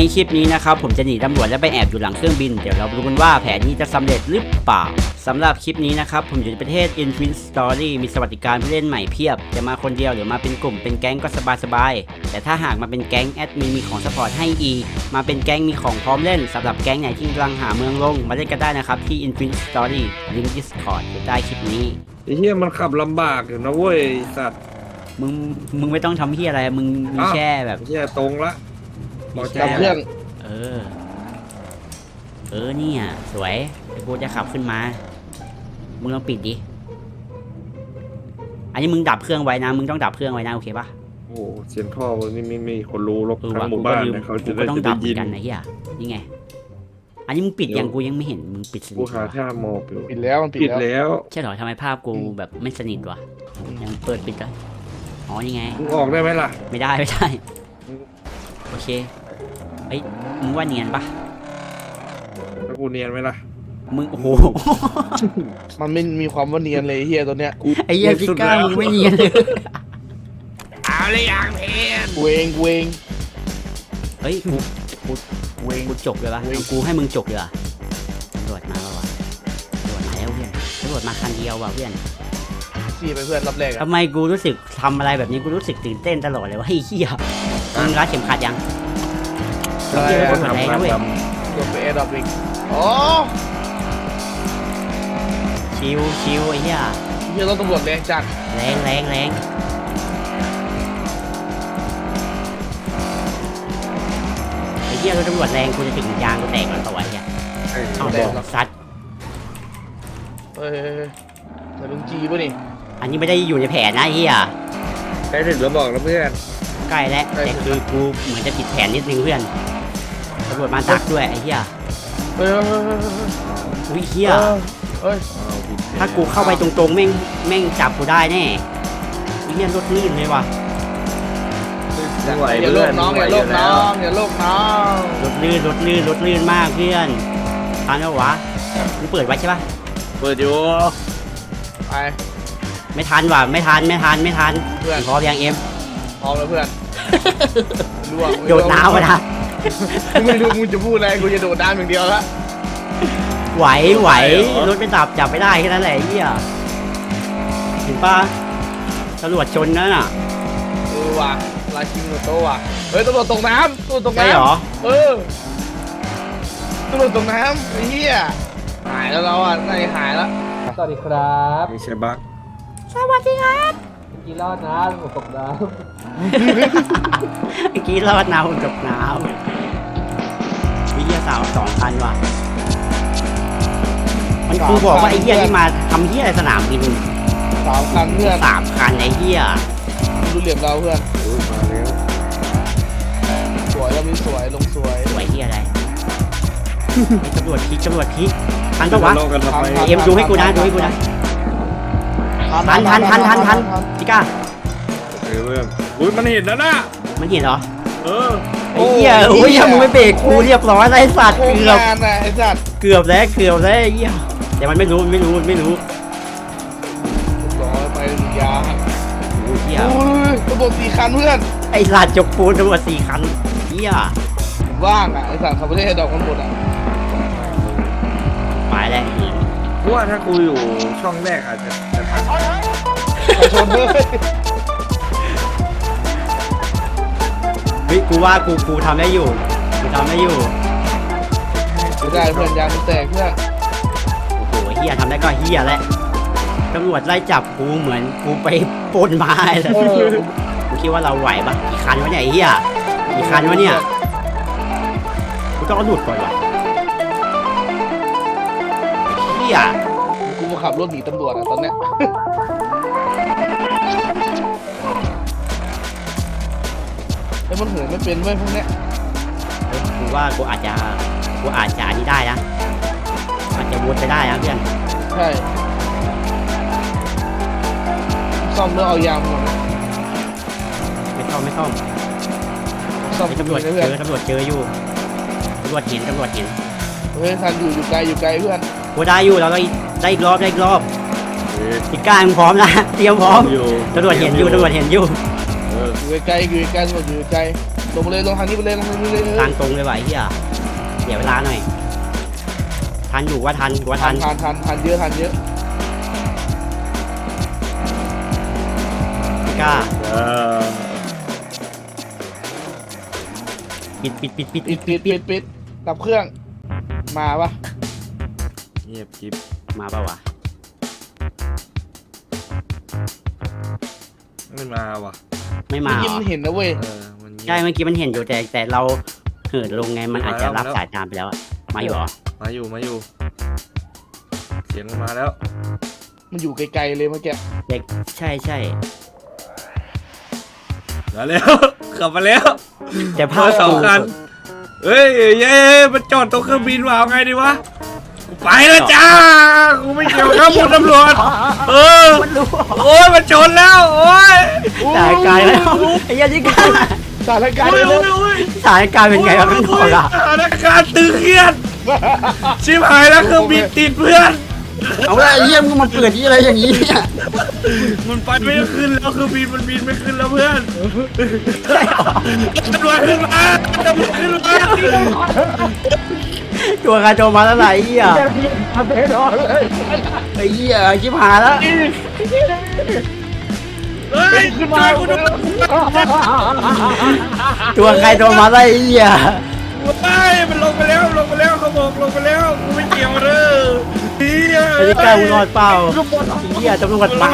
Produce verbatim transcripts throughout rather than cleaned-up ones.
คลิปนี้นะครับผมจะหนีตำรวจและไปแอบอยู่หลังเครื่องบินเดี๋ยวเราดูกันว่าแผนนี้จะสำเร็จหรือเปล่าสำหรับคลิปนี้นะครับผมอยู่ในประเทศ Infinite Story มีสวัสดิการผู้เล่นใหม่เพียบจะมาคนเดียวหรือมาเป็นกลุ่มเป็นแก๊งก็สบายๆแต่ถ้าหากมาเป็นแก๊งแอดมินมีของซัพพอร์ตให้อีกมาเป็นแก๊งมีของพร้อมเล่นสำหรับแก๊งไหนที่กำลังหาเมืองลงมาเล่นกันได้นะครับที่ Infinite Story ลิงก์ Discord อยู่ใต้คลิปนี้ไอ้เหี้ยมันขับลำบากอยู่นะเว้ยสัตว์มึงมึงไม่ต้องทำเหี้ยอะไรมึงมีแค่แบบเหี้ยตรงละมีแค่เครื่องเออเออเนี่ยสวยกูจะขับขึ้นมามึงลองปิดดิอันนี้มึงดับเครื่องไว้นะมึงต้องดับเครื่องไว้นะโอเคปะโอ้เสียงท่อนี่ไม่มีคนรู้หรอกทั้งหมู่บ้านเนี่ยเขาจะได้ต้องดับกันนะเฮียนี่ไงอันนี้มึงปิดยังกูยังไม่เห็นมึงปิดสนิทกูหาท่าโมอยู่ปิดแล้วมันปิดแล้วใช่หรอทำไมภาพกูแบบไม่สนิทวะยังเปิดปิดได้อ๋อนี่ไงมึงออกได้ไหมล่ะไม่ได้ไม่ได้โอเคเอ้ยมึงว่าเนียนปะแล้วกูเนียนไหมล่ะมึงโอ้โหมันไม่มีความว่าเนียนเลยเฮียตัวเนี้ยไอ้เหี้ยพิก้ามึงไม่เนียนเลยเอาเลยอย่างเพนเวงเวงเฮ้ยกูกูเวงกูจบเลยปะกูให้มึงจบเลยอ่ะตำรวจมาแล้ววะตำรวจมาแล้วเพื่อนตำรวจมาคันเดียวว่ะเพื่อนขี่ไปเพื่อนรับแรกทำไมกูรู้สึกทำอะไรแบบนี้กูรู้สึกตื่นเต้นตลอดเลยว่าเฮ้ยเฮียมึงรัดเข็มขัดยังอะไรอะทำอะไรนะเว้ยลงไปแอร์ดรอปอีกอ๋อชิวชิวไอ้เหี้ยเฮียรถตำรวจแรงจัดแรงแรงแรงไอ้เหี้ยรถตำรวจแรงกูจะถึงยางกูแตกแล้วตัวไอ้เหี้ยเอาแดงซัดเฮ้ยแต่ลุงจีป่ะนี่อันนี้ไม่ได้อยู่ในแผนนะไอ้เหี้ยใกล้ถึงแล้วบอกแล้วเพื่อนใกล้แล้วแต่คือกูเหมือนจะผิดแผนนิดนึงเพื่อนตำรวจมาดักด้วยไอ้เหี้ยเฮ้ยอุ้ยเหี้ยเฮ้ยถ้ากูเข้าไปตรงๆแม่งแม่งจับกูได้แน่ไอ้เหี้ยรถลื่นเลยว่ะอย่าโลกน้องอย่าโลกน้องอย่าโลกน้องรถลื่นรถลื่นรถลื่นมากเพื่อนทันแล้ววะมึงเปิดไว้ใช่ปะเปิดอยู่ไปไม่ทันว่ะไม่ทันไม่ทันไม่ทันเพื่อนพร้อมยังเอ็มพร้อมแล้วเพื่อนโดดน้ำมาละไม่รู้มึงจะพูดอะไรกูจะโดดน้ำอย่างเดียวละไหวไหวรถไม่ดับจับไม่ได้แค่นั้นแหละไอ้เหี้ยเห็นปะตำรวจชนนั่นน่ะเออว่ะลาชิงโตว่ะเฮ้ยตำรวจตกน้ำตำรวจตกน้ำใช่หรอเออตำรวจตกน้ำไอ้เหี้ยหายแล้วเราอ่ะน่าจะหายแล้วสวัสดีครับนี่ใช่บักสวัสดีครับเมื่อกี้รอดนะผมตกน้ำเมื่อกี้รอดน้ำผมตกน้ำวิทยาศาสตร์สองพันว่ะมันครูบอกว่าไอ้เหี้ยที่มาทำเหี้ยอะไรสนามบินสามคันเพื่อนสามคันไอ้เหี้ยดูเหลี่ยมเราเพื่อนมาแล้วสวยแล้วมีสวยลงสวยสวยเหี้ยอะไรตำรวจพีตำรวจพีทันปะวะเอ็มดูให้กูนะดูให้กูนะทันทันทันทันทันพี่ก้าเออเพื่อนอุ้ยมันเห็นแล้วนะมันเห็นเหรอเออไอ้เหี้ยโอ้ยมึงไม่เบรกกูเรียบร้อยไอ้สัตว์เกือบไอ้สัตว์เกือบแล้วเกือบแล้วไอ้เหี้ยแต่มันไม่รู้ไม่รู้ไม่รู้ร้อยไปยาโอ้ยเหี้ยตำรวจสี่คันเพื่อนไอ้สัตว์จกปูนตำรวจสี่คันเหี้ยว่างอ่ะไอ้สัตว์ขับรถให้ดอกกันหมดอ่ะไปแล้วเพราะว่าถ้ากูอยู่ช่องแรกอาจจะจะทันชนเลยเฮ้ยกูว่ากูกูทำได้อยู่กูทำได้อยู่ได้เพื่อนยางแตกเพื่อนโอ้โหเฮียทำได้ก็เฮียแหละตำรวจไล่จับกูเหมือนกูไปปล้นไม้เลยกูคิดว่าเราไหวปะกี่คันวะเนี่ยเฮียกี่คันวะเนี่ยกูต้องเอาหลุดก่อนวะเฮียกูมาขับรถหนีตำรวจอะตอนเนี้ยไอ้มันเหินไม่เป็นไว้พวกเนี้ยกูว่ากูอาจจะกูอาจจะนี่ได้นะอาจจะวนไปได้นะเพื่อนใช่ซ่อมแล้วเอายางหมดไม่ซ่อมไม่ซ่อมซ่อมตำรวจเจอตำรวจเจออยู่ตำรวจเห็นตำรวจเห็นเฮ้ยทันอยู่อยู่ไกลอยู่ไกลเพื่อนกูได้อยู่เราได้ได้อีกรอบได้อีกรอบอีกการพร้อมนะเตรียมพร้อมตำรวจเห็นอยู่ตำรวจเห็นอยู่อยู่ไกลอยู่ไกลตำรวจอยู่ไกลลงมาเลยลงทางนี้ไปเลยลงทางนี้เลยทางตรงเลยว่ะไอ้เหี้ยเดี๋ยวเวลาหน่อยทันอยู่ว่าทันว่าทัทันนทันทันทันเยอะทันเยอะไม่กล้าเออปิดปิดปิดปิดปิดปิดปิดปิดดับเครื่องมาปะเงียบกิ๊บมาเปล่าวะไม่มาว่ะไม่มาเมื่อเหรอกี้มันเห็นนะเว้ยเออมันเงียบใช่เมื่อกี้มันเห็นอยู่แต่แต่เราเหินลงไงมันอาจจะรับมาแล้วสายตามไปแล้วอะมาอยู่เหรอมาอยู่มาอยู่เสียงมันมาแล้วมันอยู่ไกลๆเลยเมื่อกี้เด็กใช่ใช่มาแล้ว ขับมาแล้วแต่ภามาพสองกูคันเฮ้ยเย้มันจอดตรงเครื่องบินว่ะเอาไงดีวะกูไปแล้วจ้ากูไม่เกี่ยวกับคุณตำรวจเออมันรู้โอ้ยมันชนแล้วโอ้ยสายการแล้วไอ้เหี้ยันที่การสถานการณ์โอ้เลย ยโอ้ยโอ้ยสายการเป็นไงวะข้างนอกอะสถานการณ์ตึงเครียดชิบหายแล้วเครื่องบินติดเพื่อนเอาละไอ้เหี้ยมึงมาเปิดที่อะไรอย่างนี้เนี่ยมันไปไม่ขึ้นแล้วเครื่องบินมันบินไม่ขึ้นแล้วเพื่อนใช่เหรอตำรวจขึ้นมาตำรวจขึ้นมาตัวการโจมมาแล้วไหนไอ้เหี้ยทำเป็นอนเลยไอ้เหี้ยชิบหายแล้วเฮ้ยขึ้นมาคุณตำรวจตัวใครโดนมาแล้วไอ้เหี้ยเฮ้ยมันลงไปแล้วลงไปแล้วเขาบอกลงไปแล้วกูไม่เกี่ยวเลยเฮียไอ้ที่กล้ามึงรอดเปล่าไอ้เหี้ยตำรวจมา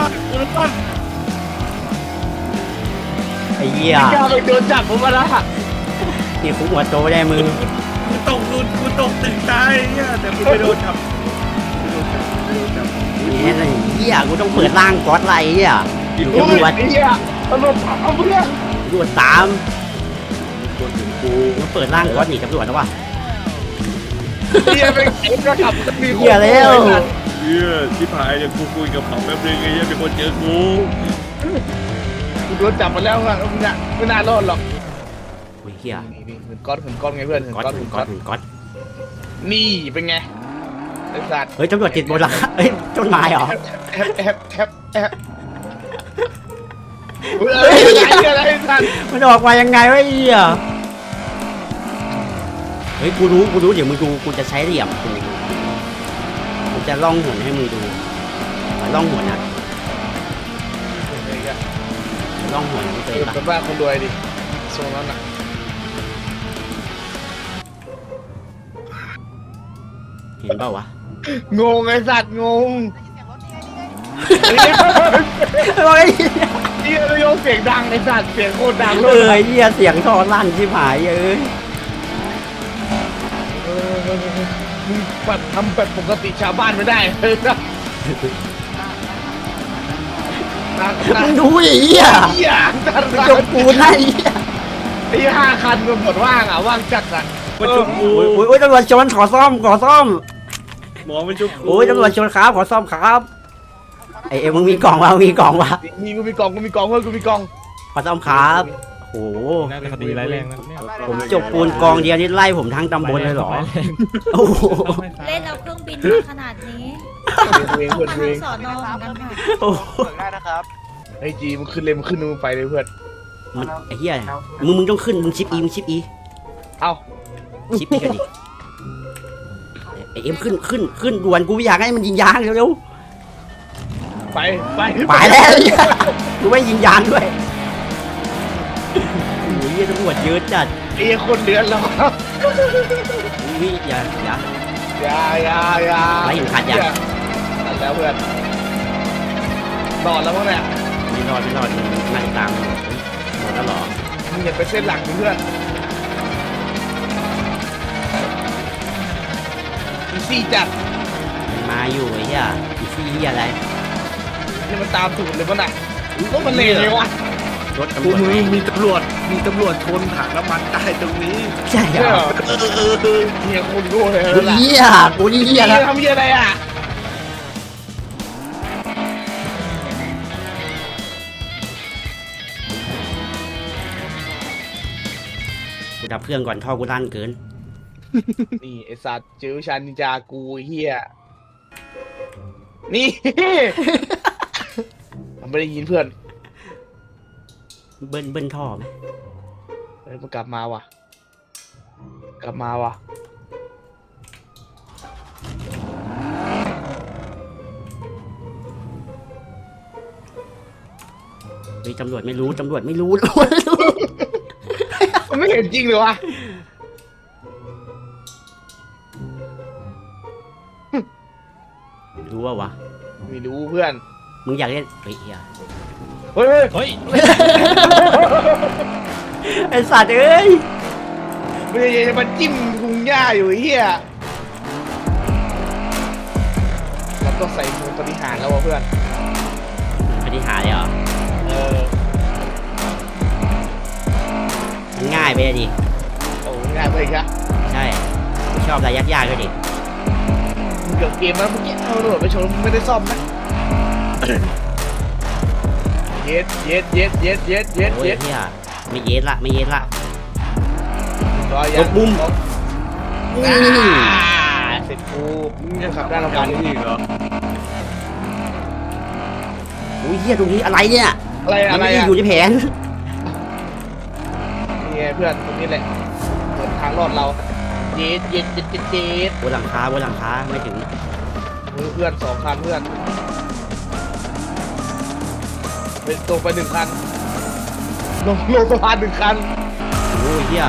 ไอ้เหี้ยกล้าไปโดนจับผมมาละนี่คุกหัวโตไม่ได้มึงกูตกกูกูตกตึกตายเฮียแต่กูไม่โดนจับไม่โดนจับไม่โดนจับเนี่ยไอ้เหี้ยกูต้องเปิดร่างก๊อตไรอ่ะอยู่โอ้ตำรยวจไอ้เหี้ยตำรวจเอาเพื่อนตำรวจตามคนถึงกูกูเปิดร่างก๊อตหนีตำรวจแล้ววะเหี้ยไปเก็บกระขับมีคนเหี้ยแล้วเฮียชิบหายเดี๋ยวกูคุยกับเขาแป๊บนึงไอ้เฮียมีคนเจอกูกูโดนจับมาแล้วครับไม่น่าไม่น่ารอดหรอกโอ้ยเหี้ยนี่นี่เหินก้อนเหินก้อนไงเพื่อนเหินก๊อตก้อนถึเหิงนก๊ก้ออตนถึงก๊อตนี่เป็นไงไอ้สัตว์เฮ้ยตำรวจติดบนหลังคาเฮ้ยต้นไม้เหรอแอบแอบแอบแอบเฮ้ยอะไรอะไรสัตว์มันออกมายังไงวะไอ้เหี้ยเฮ้ยกูรู้กูรู้เดี๋ยวมึงดูกูจะใช้เหลี่ยมกูกูจะล่องหนให้มึงดูมาล่องหนนะล่องหนมึงเคเอย อปะเป็นบ้านคนรวยดิทรงนั้นอ่ะเห็นเปล่าวะงงไอ้สัตว์งงเฮ้ยเฮียโยกเสียงดังไอ้สัตว์เสียงโคตรดังเอเลอย เหี้ยเสียงท่อลั่นที่หายเอ้ยมึงแบบทำแบบปกติชาวบ้านไม่ได้เลยนะนั่งมึนั่งงดูไอ้เหี้ยเฮียจัดมึงจมปูนนะไอ้เหี้ยไอ้ห้าคันมันหมดว่างอ่ะว่างจัดอ่ะมาชุบกูโอ้ยโอ้ยโอ้ยตำรวจชนขอซ่อมขอซ่อมหมอมาชุบกูโอ้ยตำรวจชนครับขอซ่อมครับไอเอ็มมึงมีกล่องวะมึงมีกล่องวะมีกูมีกล่องกูมีกล่องเพื่อนกูมีกล่องขอซ่อมครับโอ้โหน่าจะคดีร้ายแรงนะเนี่ยผมจบปูนกองเดียวนี่ไล่ผมทั้งตำบลเลยเหรอโอ้โหเล่นเอาเครื่องบินมาขนาดนี้เองเพื่อนมาเอทั้งงสอนอเหมือนกันค่ะโอ้โหไอ้จีมันขึ้นเลยมันขึ้นมึงไปเลยเพื่อนมันไอ้เหี้ยมึงมึงต้องขึ้นมึงชิปอีมึงชิปอีเอ้าชิปอีกันดิไอเอ็มขึ้นขึ้นขึ้นด่วนกูไม่อยากให้มันยิงยางเร็วไปไปๆไปแล้วไอ้เหี้ยกูไม่ยิงยางด้วยโอ้ยเหี้ยตำรวจเยอะจัดไอ้คนเดือนแล้วนี่อย่าอย่าอย่าอย่าอย่าไล่เข็มขัดยังขัดแล้วเพื่อนนอนแล้วมั้งเนี่ยไม่รอดไม่รอดนั่งตามอยู่หมดแล้วเหรอมึงอย่าไปเส้นหลังดิเพื่อนอีซี่จัดมันมาอยู่ไอ้เหี้ยอีซี่เหี้ยอะไรนี่มันตามถูกเลยมั้งน่ะก็มันเลวเลยวะรถตำรกูวจมึไหมงมีตำรวจมีตำรวจชนถังน้ำมันใต้ตรงนี้ใช่เหรอเฮียคนรู้เลยกูล่ะเหี้ยกูนี่เหี้ยเฮีแล้ยว ทำเฮียอะไรอ่ะกูดับเครื่องก่อนท่อกูลั่นเกินนี่ไอสัตว์เจอชันนินจากูเฮียนี่ มันไม่ได้ยินเพื่อนเบิ้ลเบิ้ลท่อไหมเฮ้ยมันกลับมาว่ะ กลับมาว่ะเฮ้ยตำรวจไม่รู้ตำรวจไม่รู้มันไม่เห็นจริงเลยวะรู้ว่าวะไม่รู้เพื่อนมึงอยากเล่นเฮ้ยเฮียเฮ้ยเฮ้ยเฮ้ยไอสัตว์เอ้ยมันจะมาจิ้มพุงหญ้าอยู่ไอ้เฮียเราต้องใส่มือปฏิหารแล้ววะเพื่อนปฏิหารเลยเหรอเออมันง่ายไปเลยดิโอ้ง่ายไปอีกอะใช่กูชอบอะไรยากๆด้วยดิมึงเกือบเกมแล้วเมื่อกี้เอาโดดไปชนมึงไม่ได้ซ่อมนะ เย็ดเย็ดเย็ดเย็ดเย็ดเย็ดโอ้ยเย็ดเฮียไม่เย็ดละไม่เย็ดละรอยัลบมุมอ่าเสร็จกูมึงจะขับได้เรากาการ รนี้อีกเหรอโอ้ยเฮียตรงนี้อะไรเนี่ยอะไรมัอะนไรไม่ได้อะอยู่ในแผนนี่ไงเพื่อนตรงนี้แหละเหมือนทางรอดเราเย็ดเย็ดเย็ดเย็ดเย็ดบนหลังคาบนหลังคาไม่ถึงมือเพื่อนสองคันเพื่อนเป็นตรงไปหนึ่งคันลงลงสะพานหนึ่งคันโอ้ยเฮีย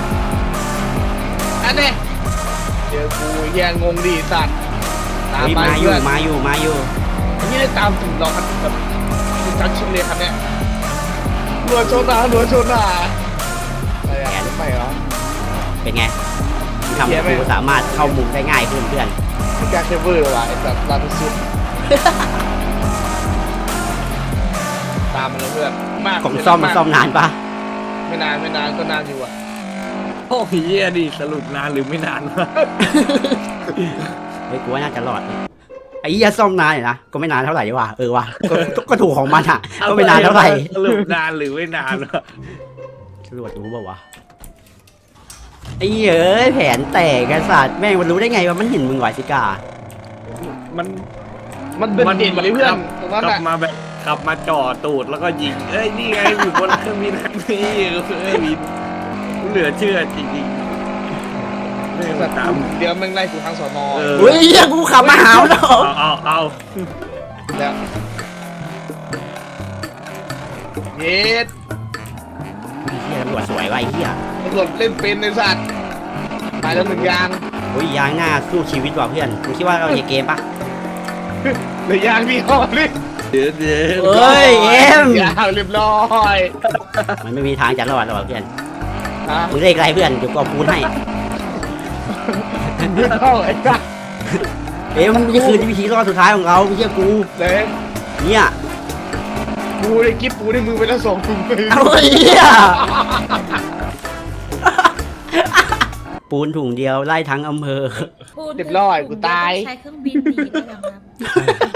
อันนี้เจอกูแย่งงดิสัตว์ตามเฮ้ยมามาอยู่เพื่อนมาอยู่มาอยู่อันนี้ได้ตามถึงหรอกครับแบบถึงจังชิมเลยครับเนี่ยหนวดโชว์หนาหนวดโชว์หนาอะไรอะรถไฟเหรอเป็นไงทำเหี้ให้ยไหมกูสามารถเข้ามุมได้ง่ายขึ้นเพื่อนไม่กล้าเคเบิลเลยว่ะไอ้สัตว์ลาทุสุด ตามมาเลยเพื่อนมากของซ่อมมันซ่อมนานปะไม่นานไม่นานก็นานอยู่อ่ะโอ้ยเหี้ยดิสรุปนานหรือไม่นานวะเฮ้ยกูว่าน่าจะรอดไอ้เหี้ยซ่อมนานอยู่นะก็ไม่นานเท่าไหร่ว่ะเออว่ะก็ก็ถูกของมันอ่ะก็ไม่นานเท่าไหร่สรุปนานหรือไม่นานวะตำรวจรู้ป่าวะไอ้เหี้ยเอ้ยแผนแตกไอ้สัตว์แม่งมันรู้ได้ไงว่ามันเห็นมึงไหวสิกามันมันเป็นเด่นเลยเพื่อนตรงนั้นขับอ่ะมาแบบขับมาจ่อตูดแล้วก็ยิงเอ้ยนี่ไงอยู่บนเครื่องบินคันนี้เอ้ยบินเหลือเชื่อจริงๆเรื่องแบบตามเดี๋ยวแม่งไล่กูทางสอนอเออเฮ้ยเหี้ยกูขับมาหาวแล้วเอาเอาเอาแล้วเย็ดเหี้ยตำรวจสวยว่ะไอ้เหี้ยตำรวจเล่นเป็นในสัตว์ตายแล้วหนึ่งยางโอ้ยยางหน้าสู้ชีวิตว่ะเพื่อนมึงคิดว่าเราในเกมปะเหลยยางพี่ห้อนี่เดี๋ยวเดี๋ยวเฮ้ยเอ็มยางเรียบร้อยมันไม่มีทางจะรอดหรอกเพื่อนฮะมึงเลขอะไรเพื่อนเดี๋ยวกูเอาปูนให้ไม่เข้าไอ้สัตว์เอ็มนี่คือวิธีรอดสุดท้ายของเราไม่เชื่อกูเลยเนี่ยปูในกิ๊บปูในมือไปแล้วสองถุงมือเอาเหี้ยปูนถุงเดียวไล่ทั้งอำเภอพูดเรียบร้อยกูตายใช้เครื่องบินหนีได้ยังครับ